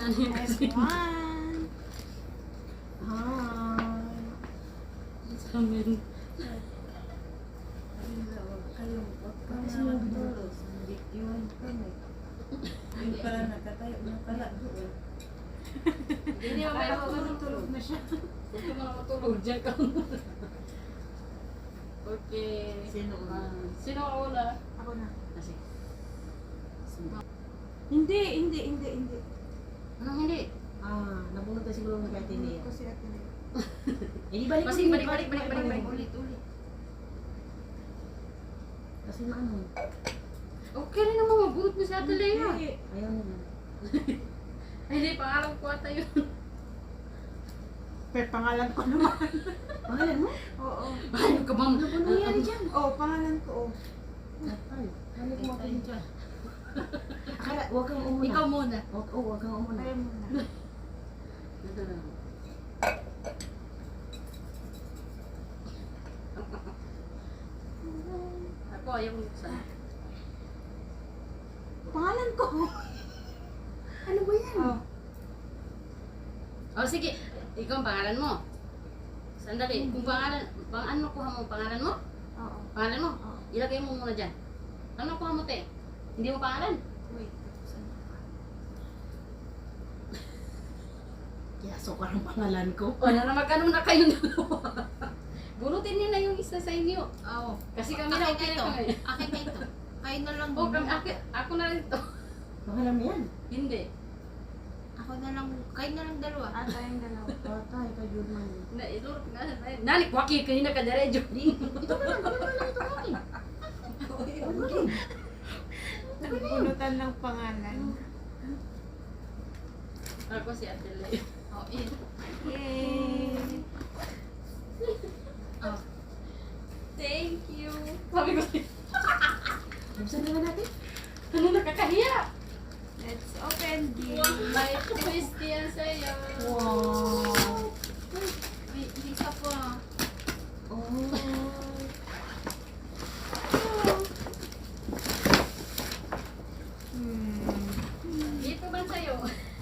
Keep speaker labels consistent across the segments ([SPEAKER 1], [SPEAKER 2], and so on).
[SPEAKER 1] Everyone. Hi.
[SPEAKER 2] Amen.
[SPEAKER 1] Kasi nagdulos. Iwan kami. Yung pala nakatayo na pala doon.
[SPEAKER 2] Hindi naman may matulog na siya. Huwag ka mga matulog. Diyan ka muna. Okay.
[SPEAKER 1] Sino una?
[SPEAKER 2] Sino ang una?
[SPEAKER 1] Ako na.
[SPEAKER 2] Kasi.
[SPEAKER 1] Hindi.
[SPEAKER 2] Anong hindi?
[SPEAKER 3] Nabunod na siguro ng kaya Tinea.
[SPEAKER 1] Kasi ate na.
[SPEAKER 3] Eh, di balik
[SPEAKER 2] Kasi
[SPEAKER 3] ulit,
[SPEAKER 2] balik.
[SPEAKER 3] ulit. Kasi maano,
[SPEAKER 2] Okay rin naman mabunot mo si Ate Lea.
[SPEAKER 3] ayaw nila.
[SPEAKER 2] Ay, hindi, pangalan ko ata yun.
[SPEAKER 1] Pero pangalan ko naman.
[SPEAKER 3] Pangalan mo?
[SPEAKER 1] Oo.
[SPEAKER 2] Ano ka ba?
[SPEAKER 3] Ano nangyari dyan?
[SPEAKER 1] Oo, pangalan ko.
[SPEAKER 3] Ay, balik mo ako dyan. Akala, huwag kang umuna.
[SPEAKER 2] Ikaw muna.
[SPEAKER 3] Huwag kang umuna.
[SPEAKER 1] Ayaw mo na.
[SPEAKER 2] Ito na. Ako, ayaw mo saan.
[SPEAKER 1] Pangalan ko.
[SPEAKER 3] Ano ba yan?
[SPEAKER 1] Oh.
[SPEAKER 2] Oh, sige. Ikaw ang pangalan mo. Sandali. Kung pangalan, ano kuha mo? Pangalan mo?
[SPEAKER 1] Oo.
[SPEAKER 2] Pangalan mo?
[SPEAKER 1] Oo.
[SPEAKER 2] Ilagay mo muna dyan. Ano kuha mo, te? Hindi mo pangalan?
[SPEAKER 1] Wait.
[SPEAKER 3] Kaya sukar ang pangalan ko.
[SPEAKER 2] O, magkano na kayo dalawa? Bunutin niyo na yung isa sa inyo.
[SPEAKER 4] Oo.
[SPEAKER 2] Kasi kami na okay na kami.
[SPEAKER 4] Akin na ito. Kayo na lang.
[SPEAKER 2] Oh, ako na rin ito.
[SPEAKER 3] Pangalan mo yan?
[SPEAKER 2] Hindi.
[SPEAKER 4] Ako na lang. Kayo na lang dalawa.
[SPEAKER 1] At tayong dalawa.
[SPEAKER 3] Patay ka, Jurman.
[SPEAKER 2] Ilurot nga. Nalik, waki, kanina ka diretso.
[SPEAKER 3] Ito na lang, ito akin. Okay.
[SPEAKER 1] Nagpunutan ng pangalan.
[SPEAKER 2] Ako si Ate Lea.
[SPEAKER 4] Oh, yun.
[SPEAKER 1] Yay!
[SPEAKER 4] Oh.
[SPEAKER 2] Thank you. Sabi ko,
[SPEAKER 3] Buksan naman natin.
[SPEAKER 2] ano nakakahiya?
[SPEAKER 1] Let's open this.
[SPEAKER 2] May twist yan sa'yo.
[SPEAKER 3] Wow.
[SPEAKER 4] May isa pa.
[SPEAKER 3] Oh.
[SPEAKER 2] Dito ba sa'yo?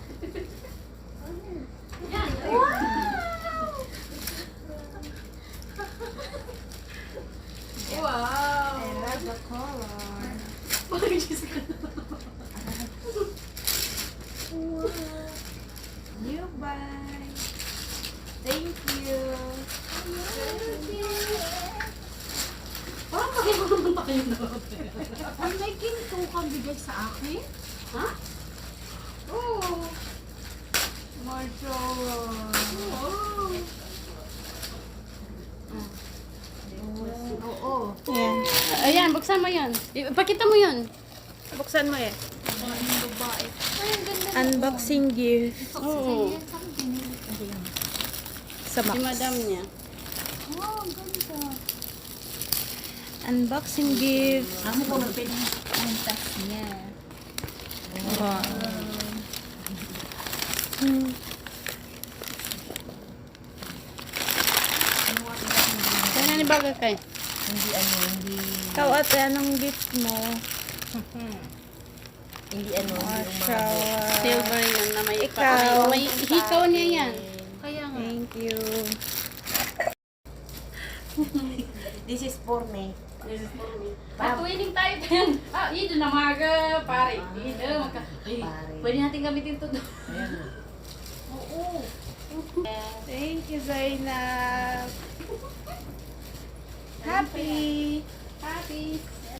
[SPEAKER 2] Yan. Wow!
[SPEAKER 1] I love the color.
[SPEAKER 2] Bakit Diyos ka na?
[SPEAKER 1] You buy. Thank you.
[SPEAKER 2] Parang mag-iba naman pa kayo na.
[SPEAKER 4] Ay, may ginto kang bigay sa akin?
[SPEAKER 2] Ha? Oo.
[SPEAKER 1] More drawers.
[SPEAKER 4] Oo.
[SPEAKER 1] Ayan.
[SPEAKER 2] Ayan, buksan mo yun. Ipakita mo yun.
[SPEAKER 1] Buksan mo eh.
[SPEAKER 4] Ang babae. Ay, ang ganda.
[SPEAKER 1] Unboxing gift
[SPEAKER 2] Oo.
[SPEAKER 1] sa
[SPEAKER 2] Si
[SPEAKER 1] box.
[SPEAKER 2] madam niya.
[SPEAKER 4] Wow, ang ganda.
[SPEAKER 1] Unboxing gift.
[SPEAKER 3] Amo ko magpin.
[SPEAKER 4] Ang tas niya.
[SPEAKER 1] Wow.
[SPEAKER 2] Kaya ni bagay kay.
[SPEAKER 3] Hindi.
[SPEAKER 1] Ikaw ate, anong gift mo?
[SPEAKER 3] Hindi
[SPEAKER 1] Shower.
[SPEAKER 2] Silver yan na may
[SPEAKER 1] Ikaw.
[SPEAKER 2] may hikaw niya yan.
[SPEAKER 4] Kaya nga.
[SPEAKER 1] Thank you.
[SPEAKER 3] This is for me.
[SPEAKER 2] Patuwining tayo yan. Ito na maga, pare. Ito,
[SPEAKER 3] Pare.
[SPEAKER 2] pwede natin gamitin ito doon.
[SPEAKER 3] Ayan.
[SPEAKER 2] Oo.
[SPEAKER 1] Thank you, Zainab. Happy.
[SPEAKER 2] Happy.